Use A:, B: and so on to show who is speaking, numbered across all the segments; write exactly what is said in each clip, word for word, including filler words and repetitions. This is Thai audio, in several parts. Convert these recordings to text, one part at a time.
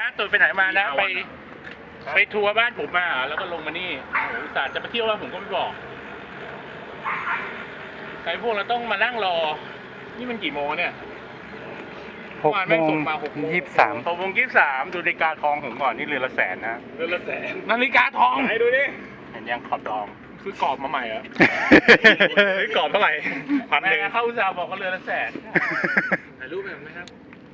A: ตุ่นไปไหนมานะไปไปทัวร์บ้านผมมาแล้วก็ลงมานี่อุตส่าห์จะไปเที่ยวแล้วผมก็ไม่บอกใครพวกเราต้องมานั่งรอนี่มันกี่โมงเนี่ย
B: หกโมงยี่สิบสาม
A: หกโมงยี่สิบสามดูนาฬิกาทองผมก่อนนี่เรือนละแสนนะเรือนละแสนนาฬิกาทองไหนดูดิเห็นยังขอบทองซื้อกรอบมาใหม่เหรอซื้อกรอบเท่าไหร่พันหนึ่งเข้าอุตสาห์บอกว่าเรือนละแสนถ่ายรูปแบบไหมครับ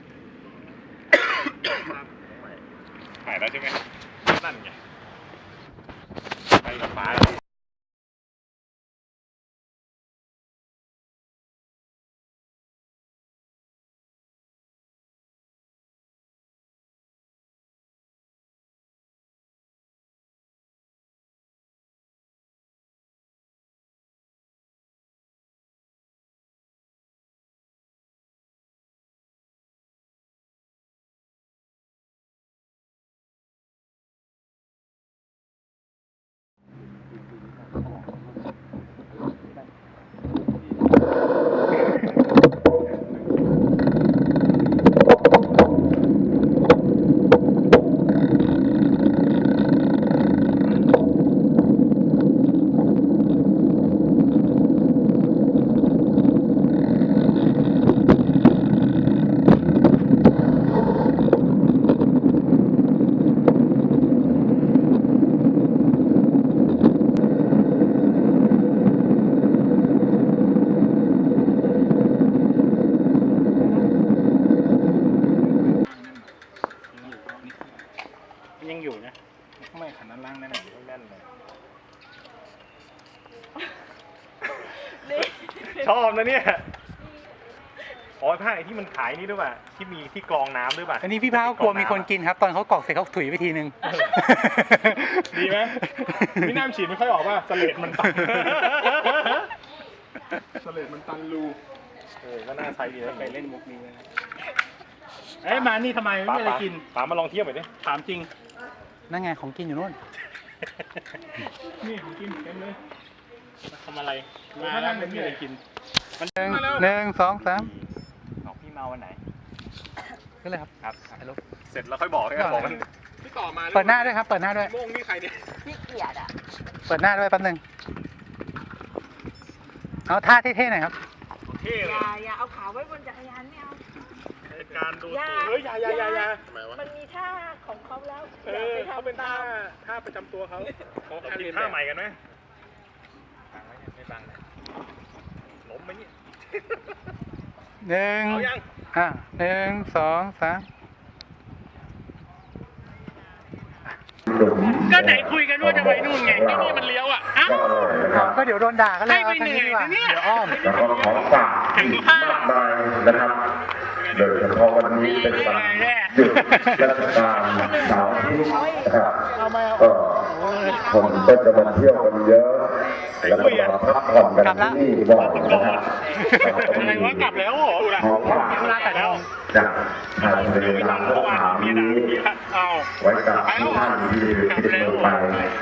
A: ถ่ายแล้วใช่ไหมนั่นไงไปกับฟ้ายังอยู่นะไม่ขันนั้นล่างแน่นๆแน่นเลยชอบนะเนี่ยอ๋อผ้าไอ้ที่มันขายนี่ด้วยป่ะที่มีที่กรองน้ำด้วยป่ะ
B: อันนี้พี่พาเขากลัวมีคนกินครับตอนเขากรอกเสร็จเขาถุยไปทีนึง
A: ดีไหมพี่น้ำฉีดไม่ค่อยออกป่ะสเลดมันตันสเลดมันตันรูเออก็น่าใช้ดีนะไปเล่นมุกนี้นะเอ้ยมานี่ทำไมไม่ได้กินถามมาลองเทียบหน่อยดิถามจริง
B: นั่นไงของกินอยู่นู่น
A: นี่ของกินเต็มเลยมาทำอะไรมาแล้วไม่มีอะไรกิน
B: มันหนึ่งหนึ่งสองสาม
A: ของพี่มาวันไหน
B: ก็เลยครับ
A: ครับเสร็จแล้วค่อยบอกให้บอกกันพี่ต่อมา
B: เปิดหน้าด้วยครับเปิดหน้าด้วย
A: โม่งนี่ใครเนี่ย
C: พี่เกียรติอ่ะ
B: เปิดหน้าด้วยแป๊บนึงเอาท่าเท่ๆหน่อยครับ
A: เท่เลย
C: อย่าอย่าเอาขาไว้บนจักรยานไม่เอา
A: การดูเฮ้ยอย่าอย่าอย่าอย่า
C: มันมีท่าของเขาแล้ว
A: เออเขาเป็นท่าท่าประจำตัวเขาเขาคิดท่าใหม่กันไหมบังไว้ไม่บังล้มไหมเนี่ย
B: หนึ่งอ่ะหนึ่งสองสาม
A: ก็ไหนคุยกันว่าจะไปนู่นไงที่นี่มันเลี้ยวอ่ะอ้าว
B: ก็เดี๋ยวโดนด่ากันเลย
A: ให้ไปเหนื่อยเนี่ย
B: เดี๋ยวอ้อม
D: แล้วก็ของฝากมากมายนะครับโดยเฉพาะวันนี้เป็นวันหยุดราชการเสาร์อาทิตย์นะครับก็คนก็จะมาเที่ยวกันเยอะแล้วก็มาพักผ่อนกันที่นี่บ่อยนะครับ
A: อะไรวะกลับแล้วเหรอ
D: ของฝากจากทางเรือทางพวกหามีไว้กับทุกท่านที่ติดมือไป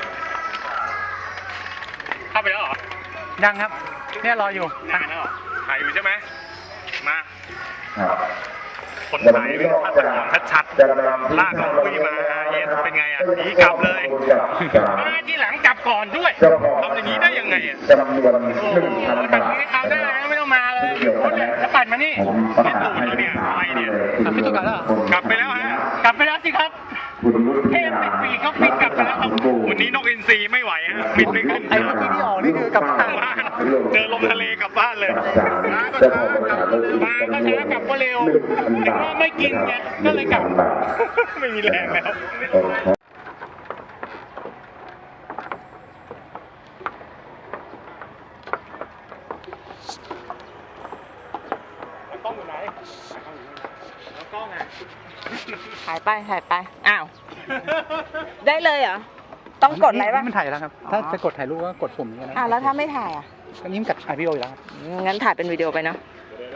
A: เข้าไปแล้วเหรอ
B: ยังครับเนี่ยรออยู่
A: ถ่ายแล้วถ่ายอยู่ใช่ไหมมาคนถ่ายเป็นภาพตัดชัดๆลากเขาคุยมาเย็นเป็นไงอ่ะหนีกลับเลยมาที่หลังกลับก่อนด้วยทำอย่างนี้ได้ยังไงอ่ะแบบนี้เอาได้ไม่ต้องมาเลยรถเนี่ยจะปั่นมานี่พี่ตู่แล้วเนี่ยไปเนี่ย
B: พี่ตู่กลับแล้ว
A: กลับไปแล้วฮะกลับไปแล้วสิครับเทพติดปีกเขาปิดกลับไปแล้วครับวันนี้นกอินทรีไม่ไหวฮะปิดไม่ขึ้น
B: ไอ้เมื่อกี้ที่ออกนี่คือกลับบ้าน
A: เจอลมทะเลกลับบ้านเลยมาก็ช้ากลับมาก็ช้ากลับก็เร็วถึงว่าไม่กินไงก็เลยกลับไม่มีแรงแล้วกล้องอยู่ไหนแล้วกล้องอ่ะ
C: ถ่ายไปถ่ายไปอ้าวได้เลยเหรอต้องกดอะไรบ้าง
B: มันถ่ายแล้วครับถ้าจะกดถ่ายรูปก็กดปุ่มนี้นะ
C: อ่าแล้วถ้าไม่ถ่ายอ่ะ
B: ก็ยิ้มกัดถ่ายวิดีโออยู่แล้ว
C: งั้นถ่ายเป็นวิดีโอไปเนาะ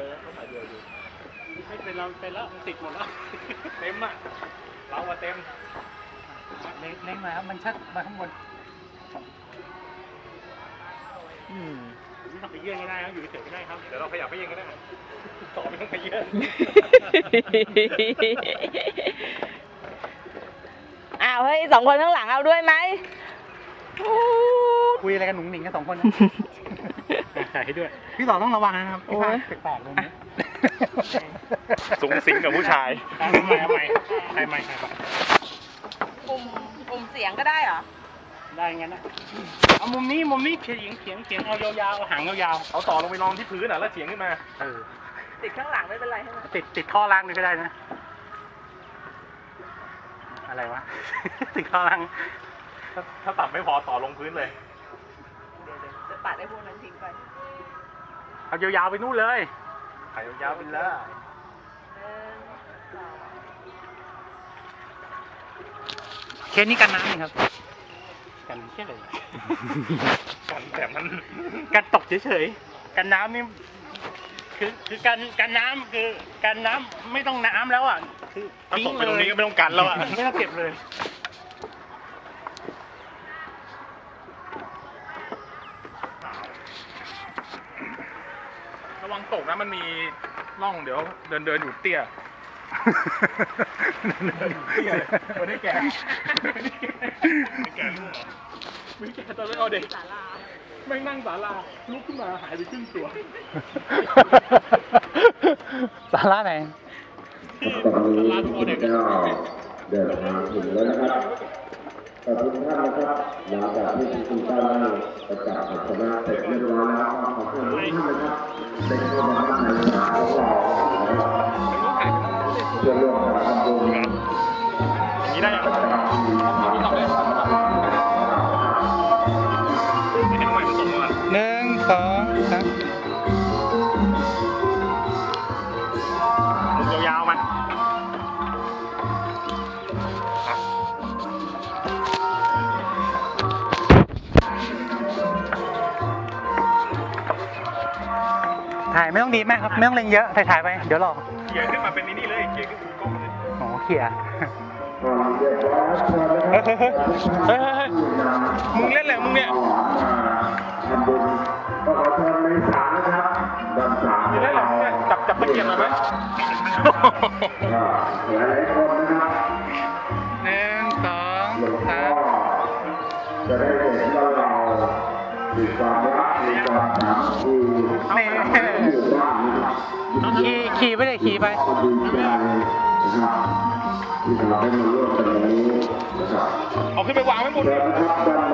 A: ไม่เป็นเราเป็นแล้วมันติดหมดแล้วเต็มอ่ะเราอะเต็ม
B: เล็งมาครับมันชัดมาข้างบน
A: อืมไม่ต้องไปเยื่อนก็ได้ครับอยู่เฉยๆก็ได้ครับเดี๋ยวเราขยับไปเยื่อนก็ได้ต่อไม่ต้องไปเยื่อน
C: สองคนข้างหลังเอาด้วยไหมอู้
B: คุยอะไรกันหนุ่งหนิงกันสองคนนะ ถ่ายให้ด้วย พี่ต่อต้องระวังนะครับพี่พายแปลกๆตรงนี้
A: สูงสิงกับผู้ชาย
B: ทำไมทำไมใครไม่ใครไม่
C: ปุ่มปุ่มเสียงก็ได้เหรอ
B: ได้งั้นนะเอามุมนี้มุมนี้เฉียงเฉียงเฉียงเอายาวๆเอาหางยาว
A: เอาต่อลงไปรองที่พื้นอ่ะแล้วเฉียงขึ้นมา
B: ๆเออ
C: ติดข้างหลังไม่เป็นไรใช่ไหม
B: ติดติดท่อล่างนี่ก็ได้นะ อะไรวะ ติดท่อล่าง
A: ถ้าถ้าต่ำไม่พอต่อลงพื้นเลย
C: เดี๋ยวเดี๋ยวจะปัดไอ้พวกนั้นทิ้งไป
B: เอายาวๆไปนู่นเลย
A: ถ่ายยาวๆไปเลย
C: หนึ่งสอง
B: เคสนี้กันน้ำนี่ครับ กันแค่ไหน
A: กันแต่มัน
B: กันตกเฉยๆ กันน้ำนี่คือคือกันกันน้ำคือกันน้ำไม่ต้องน้ำแล้วอ่ะ คือ
A: ถ้า
B: ทิ้
A: ต
B: ง
A: กไป
B: เล
A: ตรง
B: ย
A: นี้ก็ไม่ต้องกันแล้วอ่ะ
B: ไม่ต้องเก็บเลย
A: ระวังตกนะมันมีร่องเดี๋ยวเดินเดินอยู่เตี้ยเตี้ยเลยไม่ได้แก่ไม่แก่ลูกเหรอไม่แก่ตอนไม่เอาเด็ก
C: ศาลา
A: ไม่นั่งศาลาลุกขึ้นมาหายไปครึ่งตัว
B: สาระไหน
D: ตอนนี้คุณเจ้าเดินทางถึงแล้วนะครับขอบคุณท่านนะครับหลังจากที่คุณเจ้าได้ประกาศชนะเสร็จเรียบร้อยแล้วขอบคุณท่านนะครับได้เข้ามาในสายของเราเพื่อร่วมกันทำบุญ
A: อย่างนี้ได้ยังไม่เห็นทำไมมันส่งมา
B: หนึ่งสองสาม
A: ลูกยาวๆมัน
B: ถ่ายไม่ต้องดีมากครับ ไม่ต้องเล็งเยอะ ถ่ายถ่ายๆไป เดี๋ยวหลอก
A: เขี่ยขึ้นมาเป็นนี่เลยเขี่ยขึ้นสู่กล้องเลย
B: โอ้เขี่ย
A: เฮ้ยเฮ้ยเฮ้ยเฮ้ยเฮ้ยมึงเล่นอะไรของมึงเนี่ย
D: ทำบุญก็ขอเชิญในศาลนะครับด้านศาล
A: มึงเล่นอะไรของมึงเนี่ยจับจับตะเกียบมาไหม
D: หลายหลายๆคนนะครับ
B: หนึ่งสอง
D: หลวงพ่
B: สา
D: อ
B: ม
D: จะได้เห็นว่าเรามีความรักมีความสามัคคี
B: นี่
D: อยู่บ้านนะครับ
B: ขี่ขี่ไปเลยขี่ไป
D: ก็ดีใจนะครับที่เราได้มาร่วมกันวันนี้นะครับ
A: เอาขึ้นไปวางไว้บน
D: เชิญนะครับด้านใน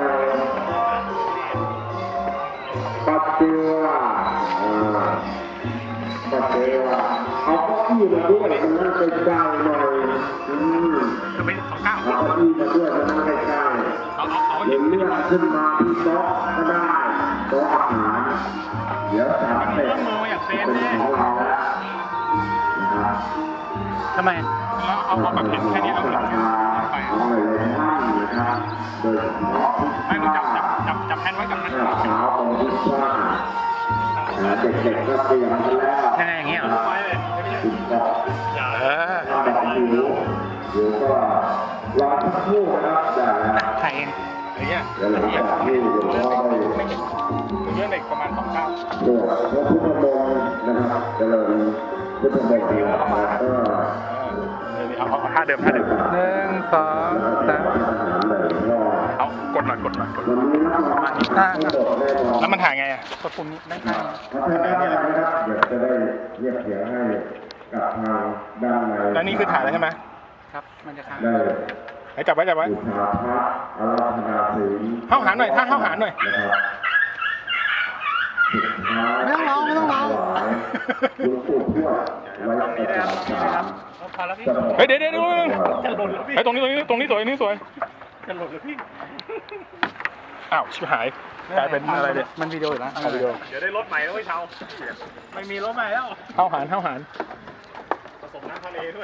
D: ปัจเจวาอ่าปัจเจวาเอาเก้าอี้มาด้วยมันนั่งใกล้ๆหน่อยอืม
A: จะเป็นสองเก้า
D: เอาเก้าอี้มาด้วยมันนั่งใกล้ๆ
A: เอาเอาเอา
D: เดี๋ยวเลื่อนขึ้นมาที่โต๊ะก็ได้โต๊ะอาหารเดี๋ยวสามเสร็จเป็นของเราแล้วนะครับ
B: ทำไม
A: แล้วเอาเอาแบบเห็นแค่นี้เอา
D: ศ
A: หลั
D: รั
A: ง
D: ทธาของหลายๆท่านนะครับโดยเฉพาะ
A: ไม่มึงจับจับจับจับแทนไว้กับนั้น
D: ข้าวเช้าของที่ว่าเด็กๆก็เตรียมกันแล้ว
B: ยังไงอย่างเงี้ยเหรอ
A: ไว้เลยไม่ใช่
D: คุณก็
A: อย่า
B: เออ
D: แบบหิวเดี๋ยวก็รอสักครู่นะครับได้แล้ว
B: ถ่ายเอง
A: อย่างเงี้ย
D: เดี๋ยวหลังจากที่หลวงพ่อได้
A: เยอะเด็กประมาณสองเก้า
D: ตรวจพระพุทธมนต์นะครับเจริญพุทธมนต์แล้วก็
A: เอาเอาท่าเดิมท่าเดิม
B: หนึ่งสองสาม
A: เอากดหน่อยกดหน่อยกด
D: วันนี้นะครับ
B: อ่า
D: ทั้งหมดแน่นอน
A: แล้วมันถ่ายไงอ่ะ
B: กดปุ่มนี้ได้ไหม
D: พัฒนาการนะครับเดี๋ยวจะได้เรียกเสียงให้กับทางด้านใน
A: แล้วนี่คือถ่ายแล้วใช่ไหม
B: ครับ มันจะค้าง
D: ได้
A: ให้จับไว้จับไว้
D: บูชาพระอาราธนาศีล
A: เข้าหาหน่อยถ้าเข้าหาหน่อย
D: นะครับสุดท้าย
B: ไม่ต้องร้องไม่ต้องร้อง
D: ถวายหลวงปู่ทวดไว้ประจำศาล
B: พอแล้วพี่
A: เฮ้ยเดี๋ยวเดี๋ยวเดี๋ยวเฮ้ยตรงนี้ตรงนี้ตรงนี้สวยตรงนี้สวย
B: จะหลุดเลยพี่
A: อ้าวชิบหายกลายเป็นอะไรเนี่ย
B: มันวิดีโออยู่แล้ว
A: เอาวิดีโอเดี๋ยวได้รถใหม่แล้วไม่เช่า
B: ไม่มีรถใหม่แล้ว
A: เข้าหารเข้าหารผสมน้ำทะเลด้วย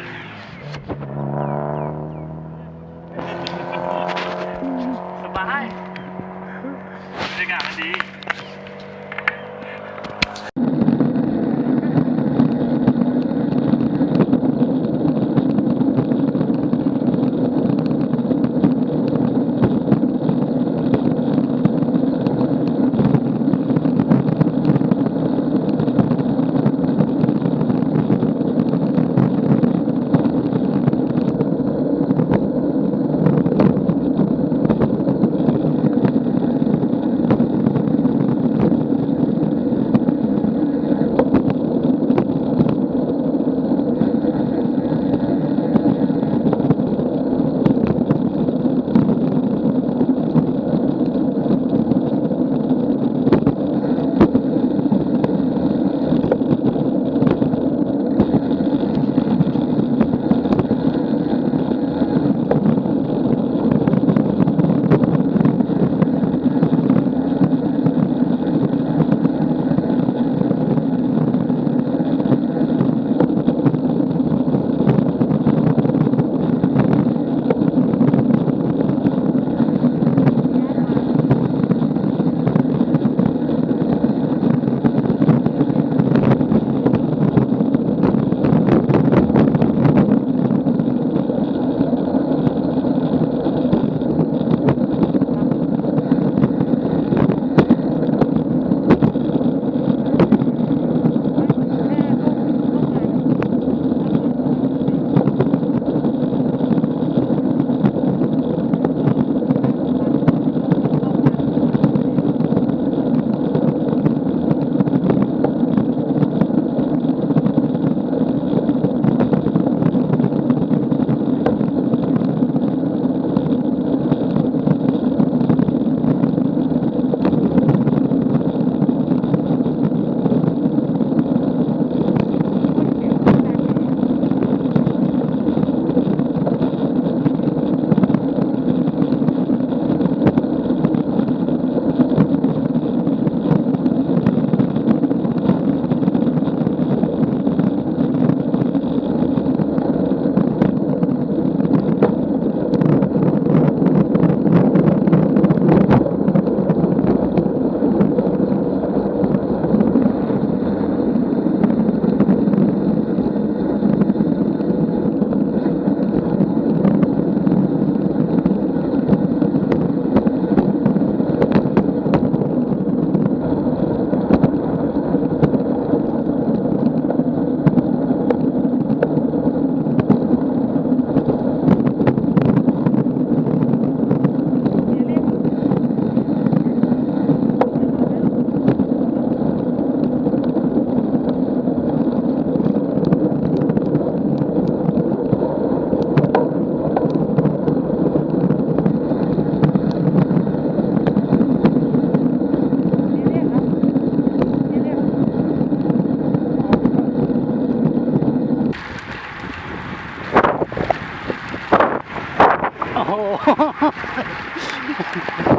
B: สบาย
A: บรรยากาศมันดี
B: โห